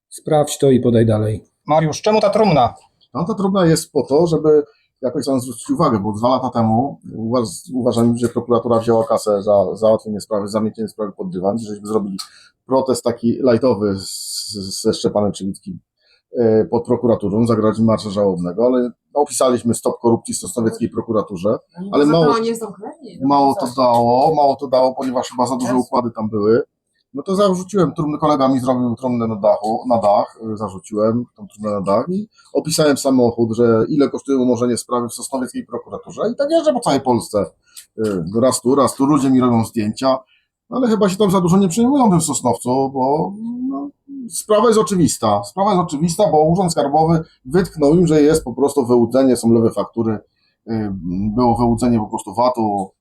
Sprawdź to i podaj dalej. Mariusz, czemu ta trumna? No ta trudna jest po to, żeby jakoś tam zwrócić uwagę, bo 2 lata temu uważam, że prokuratura wzięła kasę za załatwienie sprawy, zamiecienie sprawy pod dywan, żeśmy zrobili protest taki lajtowy ze Szczepanem Czywickim pod prokuraturą, zagraliśmy marsza żałobnego, ale opisaliśmy stop korupcji w sosnowieckiej prokuraturze, ale mało to dało, ponieważ chyba za duże układy tam były. No to zarzuciłem trumnę, kolega mi zrobił trumnę na dach, zarzuciłem tą trumnę na dach i opisałem samochód, że ile kosztuje umorzenie sprawy w sosnowieckiej prokuraturze i tak jeżdżę po całej Polsce. Raz tu, ludzie mi robią zdjęcia, ale chyba się tam za dużo nie przejmują tym Sosnowcu, bo no, sprawa jest oczywista, bo Urząd Skarbowy wytknął im, że jest po prostu wyłudzenie, są lewe faktury, było wyłudzenie po prostu VAT-u,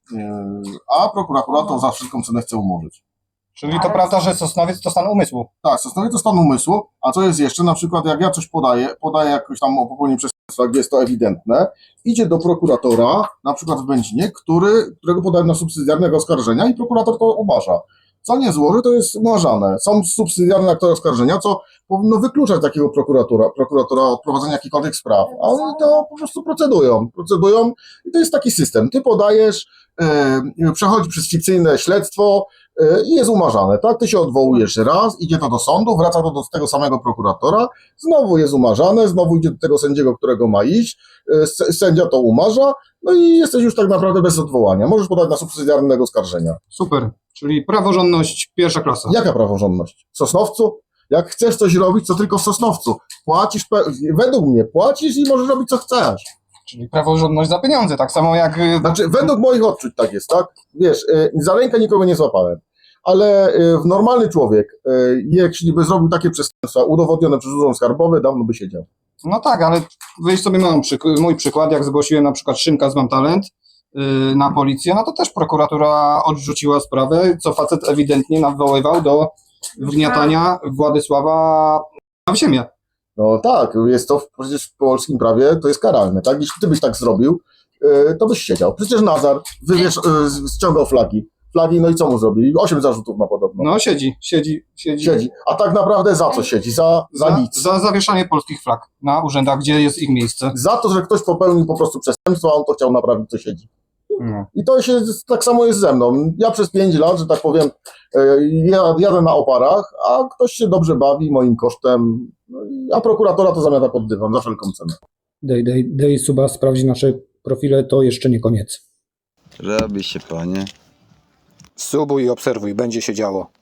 a prokuratura to za wszelką cenę chce umorzyć. Czyli to prawda, że Sosnowiec to stan umysłu. Tak, Sosnowiec to stan umysłu, a co jest jeszcze, na przykład jak ja coś podaję jakoś tam o popełnieniu przestępstwa, gdzie jest to ewidentne, idzie do prokuratora, na przykład w Będzinie, którego podałem na subsydiarnego oskarżenia i prokurator to umarza. Co nie złoży, to jest umarzane. Są subsydiarne akty oskarżenia, co powinno wykluczać takiego prokuratora od prowadzenia jakichkolwiek spraw, a oni to po prostu procedują i to jest taki system. Ty podajesz, przechodzi przez fikcyjne śledztwo, i jest umarzane, tak? Ty się odwołujesz raz, idzie to do sądu, wraca to do tego samego prokuratora, znowu jest umarzane, znowu idzie do tego sędziego, którego ma iść, sędzia to umarza, no i jesteś już tak naprawdę bez odwołania. Możesz podać na subsydiarnego oskarżenia. Super, czyli praworządność pierwsza klasa. Jaka praworządność? W Sosnowcu? Jak chcesz coś robić, to tylko w Sosnowcu. Płacisz, według mnie płacisz i możesz robić co chcesz. Czyli praworządność za pieniądze, tak samo jak... Znaczy, według moich odczuć tak jest, tak? Wiesz, za rękę nikogo nie złapałem. Ale normalny człowiek, jeśli by zrobił takie przestępstwa udowodnione przez Urząd Skarbowy, dawno by siedział. No tak, ale weź sobie mój przykład, jak zgłosiłem na przykład Szymka z Mam Talent na policję, no to też prokuratura odrzuciła sprawę, co facet ewidentnie nawoływał do wgniatania Władysława w ziemię. No tak, jest to przecież w polskim prawie, to jest karalne, tak? Jeśli ty byś tak zrobił, to byś siedział. Przecież Nazar, ściągał flagi, no i co mu zrobili? 8 zarzutów ma podobno. No siedzi. A tak naprawdę za co siedzi? Za nic. Za zawieszanie polskich flag na urzędach, gdzie jest ich miejsce. Za to, że ktoś popełnił po prostu przestępstwo, a on to chciał naprawić, to siedzi. No. I to się tak samo jest ze mną. Ja przez 5 lat, że tak powiem, jadę na oparach, a ktoś się dobrze bawi moim kosztem, a prokuratora to zamiata pod dywan za wszelką cenę. Dej suba, sprawdź nasze profile, to jeszcze nie koniec. Robi się, panie. Subuj i obserwuj, będzie się działo.